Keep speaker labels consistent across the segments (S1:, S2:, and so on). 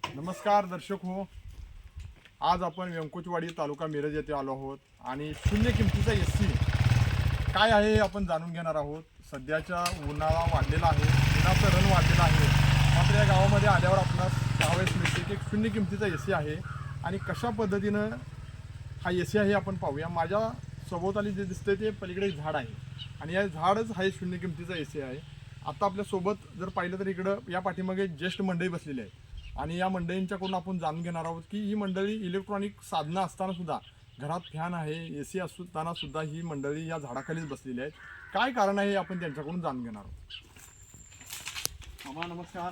S1: नमस्कार दर्शक हो, आज आपण व्यंकुचवाडी तालुका मिरज येथे आलो आहोत आणि शून्य किमतीचा एसी काय आहे हे आपण जाणून घेणार आहोत. सध्याचा उन्हाळा वाढलेला आहे, उन्हाचं रण वाढलेलं आहे. मात्र या गावामध्ये आल्यावर आपणास त्यावेळेस मिळते की एक शून्य किमतीचा एसी आहे आणि कशा पद्धतीनं हा एसी आहे आपण पाहूया. माझ्या सभोवताली जे दिसतंय ते पलीकडे एक झाड आहे आणि या झाडच हा शून्य किमतीचा एसी आहे. आता आपल्यासोबत जर पाहिलं तर इकडं या पाठीमागे ज्येष्ठ मंडळी बसलेली आहे आणि या मंडळींच्याकडून आपण जाणून घेणार आहोत की ही मंडळी इलेक्ट्रॉनिक साधनं असताना सुद्धा घरात फॅन आहे, एसी असताना सुद्धा ही मंडळी या झाडाखालीच बसलेली आहेत. काय कारण आहे हे आपण त्यांच्याकडून जाणून घेणार आहोत. मामा नमस्कार.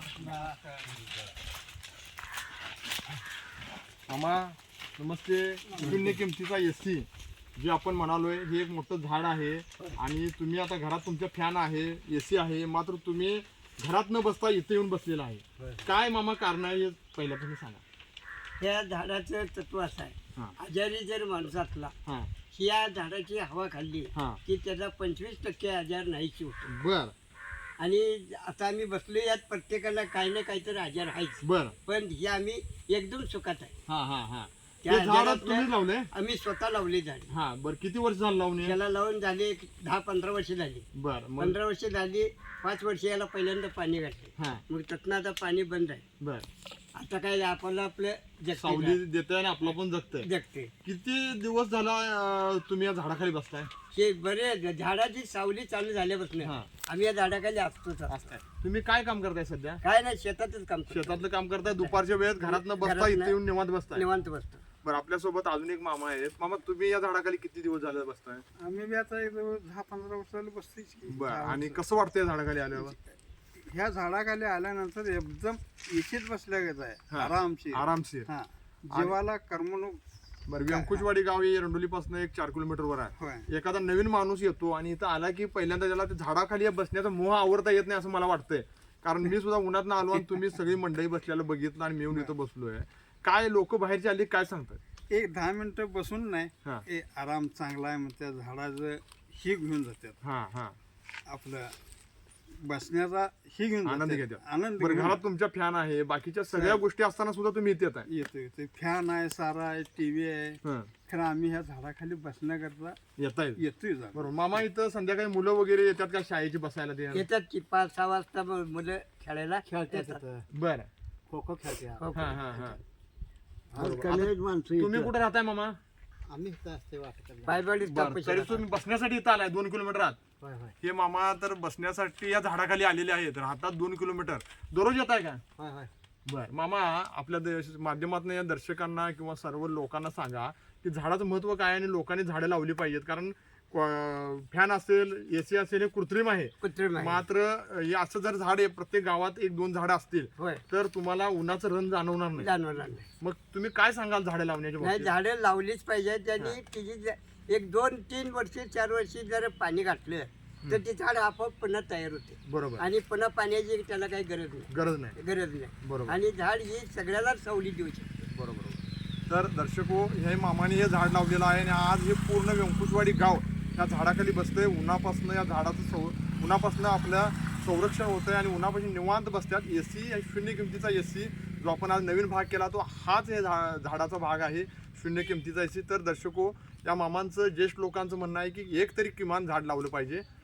S1: मामा नमस्ते. शून्य किमतीचा एसी जे आपण म्हणालोय हे एक मोठं झाड आहे आणि तुम्ही आता घरात तुमच्या फॅन आहे, एसी आहे, मात्र तुम्ही घरात न बसता इथे येऊन बसलेला आहे. काय मामा कारण आहे हे पहिल्या तुम्ही सांगा.
S2: या झाडाचं तत्व असं आहे, आजारी जर माणूस असला या झाडाची हवा खाल्ली की त्याचा 25% आजार नाहीशी होतो.
S1: बर.
S2: आणि आता आम्ही बसलो यात प्रत्येकाला काही ना काहीतरी आजार आहेच.
S1: बर.
S2: पण हे आम्ही एकदम सुखात आहे.
S1: हा हा हा.
S2: त्या
S1: हे झाड
S2: आजारातलं
S1: तुम्ही लावले?
S2: आम्ही स्वतः लावली झाडी.
S1: हा बर. किती वर्ष झालं लावून?
S2: त्याला लावून झाले 10-15 वर्ष झाली.
S1: बर.
S2: 15 वर्ष झाली. 5 वर्ष याला पहिल्यांदा पाणी घातले.
S1: हा
S2: मग त्यातनं आता पाणी बंद आहे.
S1: बर.
S2: आता काय आपलं
S1: सावली देतोय आणि आपलं पण जगतंय.
S2: जगते.
S1: किती दिवस झाला तुम्ही या झाडाखाली बसताय?
S2: हे बरे झाडाची सावली चालू झाल्यापासून आम्ही या झाडाखाली असतोच.
S1: तुम्ही काय काम करताय सध्या?
S2: काय नाही, शेतातच काम करतो.
S1: शेतातलं काम करताय. दुपारच्या वेळेत घरात न बसता इथे येऊन निवांत बसताय?
S2: निवांत बसतो.
S1: बरं. आपल्यासोबत अजून एक मामा आहेत. मामा तुम्ही या झाडाखाली किती दिवस झाले बसताय?
S3: आम्ही बी आता 10-15 वर्षाला बसतोच की.
S1: बरं. आणि कसं वाटतंय या झाडाखाली आल्यावर?
S3: ह्या झाडाखाली आल्यानंतर एकदम इशीत बसल्या गेलं आहे, आरामशीर.
S1: आरामशीर.
S3: हा, जीवाला करमणूक.
S1: बरं. व्यंकुचवाडी गाव हे एरंडोलीपासून एक 4 किलोमीटरवर आहे.
S3: होय.
S1: एखादा नवीन माणूस येतो आणि इथं आला की पहिल्यांदा त्याला ते झाडाखाली बसण्याचा मोह आवडता येत नाही असं मला वाटतंय. कारण मी सुद्धा उन्हात आलो आणि तुम्ही सगळी मंडळी बसलेलं बघितलं आणि मी येऊन इथं बसलोय. काय लोक बाहेरची आली काय सांगतात?
S3: एक 10 मिनिटं बसून नाही, आराम चांगला आहे मग त्या झाडाचं ही घेऊन जातात.
S1: हा हा.
S3: आपलं बसण्याचा ही घेऊन
S1: आनंद
S3: जातात.
S1: घेतात.
S3: आनंद
S1: बरं.
S3: घेऊन
S1: घरात तुमच्या फॅन आहे, बाकीच्या सगळ्या गोष्टी असताना सुद्धा तुम्ही इथे येताय?
S3: येतो. फॅन आहे, सारा आहे, टीव्ही आहे,
S1: हं.
S3: खरं आम्ही ह्या झाडाखाली बसण्याकरता
S1: येताय?
S3: येतोय.
S1: बरोबर. मामा इथं संध्याकाळी मुलं वगैरे येतात का शाळेची बसायला ते?
S2: येतात की 5-6 वाजता मुलं खेळायला खेळतात.
S1: बरं.
S2: खो खो खेळते.
S1: हा हा हा.
S2: तुम्ही
S1: तुम्ही कुठे राहताय मामा?
S2: आम्ही पायवाडी
S1: बरं. तरी तुम्ही बसण्यासाठी इथं आलाय 2 किलोमीटर आत? हे मामा तर बसण्यासाठी या झाडाखाली आलेले आहेत. राहतात 2 किलोमीटर. दररोज येत आहे का? बर. मामा आपल्या माध्यमातून या दर्शकांना किंवा सर्व लोकांना सांगा की झाडाचं महत्व काय आणि लोकांनी झाडं लावली पाहिजेत. कारण फॅन असेल, एसी असेल हे कृत्रिम आहे. मात्र हे असं जर झाड आहे प्रत्येक गावात 1-2 झाडं असतील तर तुम्हाला उन्हाचं रण जाणवणार नाही. मग तुम्ही काय सांगाल झाडं लावण्याच्या बाबतीत?
S2: झाडं लावलीच पाहिजे. त्यांनी तिची 1-2-3 वर्ष 4 वर्षी जर पाणी घातलं तर ते झाड आपोआप पुन्हा तयार होते.
S1: बरोबर.
S2: आणि पुन्हा पाण्याची त्याला काही गरज नाही.
S1: बरोबर.
S2: आणि झाड ही सगळ्याला सावली देऊ शकते.
S1: बरोबर. तर दर्शको, हे मामाने हे झाड लावलेलं आहे आणि आज हे पूर्ण व्यंकुचवाडी गाव या झाडाखाली बसतंय. उन्हापासून या झाडाचं उन्हापासून आपल्या संरक्षण होतंय आणि उन्हापासून निवांत बसतात. एसी शून्य किमतीचा एसी जो आपण आज नवीन भाग केला तो हाच हे झाडाचा भाग आहे, शून्य किमतीचा एसी. तर दर्शको, या मामांचं ज्येष्ठ लोकांचं म्हणणं आहे की एक तरी किमान झाड लावलं पाहिजे.